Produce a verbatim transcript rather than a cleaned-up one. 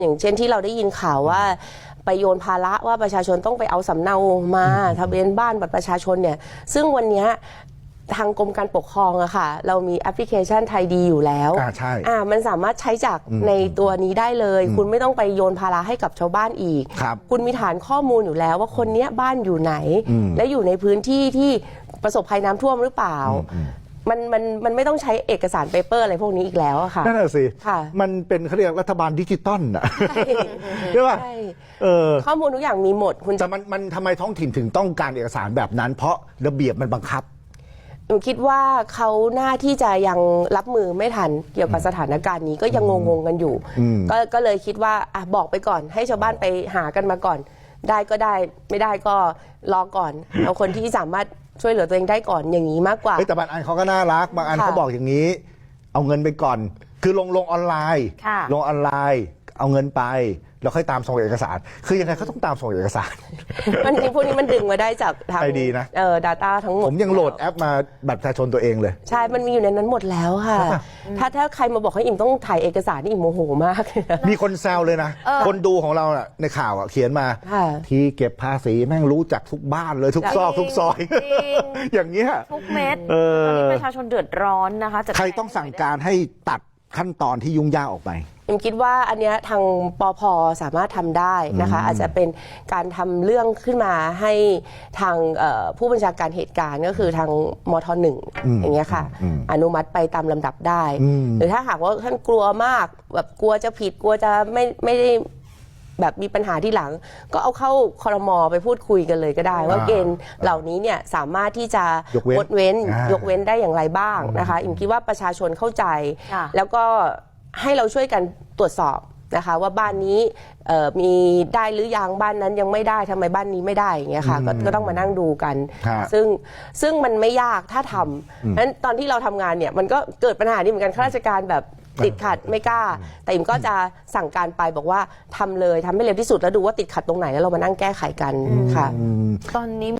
อย่างเช่นที่เราได้ยินข่าวว่าไปโยนภาระว่าประชาชนต้องไปเอาสำเนามาทะเบียนบ้านบัตรประชาชนเนี่ยซึ่งวันนี้ทางกรมการปกครองอะค่ะเรามีแอปพลิเคชันไทยดีอยู่แล้วอ่าใช่อ่ามันสามารถใช้จากในตัวนี้ได้เลยคุณไม่ต้องไปโยนภาระให้กับชาวบ้านอีกคุณมีฐานข้อมูลอยู่แล้วว่าคนนี้บ้านอยู่ไหนและอยู่ในพื้นที่ที่ประสบภัยน้ำท่วมหรือเปล่ามันมันมันไม่ต้องใช้เอกสารเปเปอร์อะไรพวกนี้อีกแล้วอะค่ะนั่นแหละสิมันเป็นเขาเรียกรัฐบาลดิจิตอลอะใช่ป่ะข้อมูลทุกอย่างมีหมดคุณแต่มันมันทำไมท้องถิ่นถึงต้องการเอกสารแบบนั้นเพราะระเบียบมันบังคับหนูคิดว่าเขาหน้าที่จะยังรับมือไม่ทันเกี่ยวกับสถานการณ์นี้ก็ยังงงๆกันอยู่ก็ก็เลยคิดว่าอ่ะบอกไปก่อนให้ชาวบ้านไปหากันมาก่อนได้ก็ได้ไม่ได้ก็รอก่อนเอาคนที่สามารถช่วยเหลือตัวเองได้ก่อนอย่างนี้มากกว่าแต่บางอันเขาก็น่ารักบางอันเขาบอกอย่างนี้เอาเงินไปก่อนคือลงลงออนไลน์ลงออนไลน์เอาเงินไปแล้วค่อยตามส่งเอกสารคือยังไงเขาต้องตามส่งเอกสารมันจริงพวกนี้มันดึงมาได้จากทางดีนะเอ่อ data ทั้งหมดผมยังโหลดแอปมาบัตรประชาชนตัวเองเลยใช่มันมีอยู่ในนั้นหมดแล้วค่ะถ้าถ้าใครมาบอกให้อิ่มต้องถ่ายเอกสารนี่อิ่มโมโหมากมีคนแซวเลยนะคนดูของเราน่ะในข่าวอ่ะเขียนมาที่เก็บภาษีแม่งรู้จักทุกบ้านเลยทุกซอกทุกซอยอย่างเงี้ยทุกเม็ดตอนนี้ประชาชนเดือดร้อนนะคะใครต้องสั่งการให้ตัดขั้นตอนที่ยุ่งยากออกไปผมคิดว่าอันนี้ทางปภ.สามารถทำได้นะคะอาจจะเป็นการทำเรื่องขึ้นมาให้ทางผู้บัญชาการเหตุการณ์ก็คือทางมท.หนึ่งอย่างเงี้ยค่ะอนุมัติไปตามลำดับได้หรือถ้าหากว่าท่านกลัวมากแบบกลัวจะผิดกลัวจะไม่ไม่ได้แบบมีปัญหาที่หลังก็เอาเข้าครม.ไปพูดคุยกันเลยก็ได้ว่าเกณฑ์เหล่านี้เนี่ยสามารถที่จะงดเว้นยกเว้นได้อย่างไรบ้างนะคะอิมคิดว่าประชาชนเข้าใจแล้วก็ให้เราช่วยกันตรวจสอบนะคะว่าบ้านนี้มีได้หรือยังบ้านนั้นยังไม่ได้ทำไมบ้านนี้ไม่ได้อย่างเงี้ยค่ะก็ต้องมานั่งดูกันซึ่งซึ่งมันไม่ยากถ้าทำนั้นตอนที่เราทำงานเนี่ยมันก็เกิดปัญหานี้เหมือนกันข้าราชการแบบติดขัดไม่กล้าแต่อิมก็จะสั่งการไปบอกว่าทำเลยทำให้เร็วที่สุดแล้วดูว่าติดขัดตรงไหนแล้วเรามานั่งแก้ไขกันค่ะตอนนี้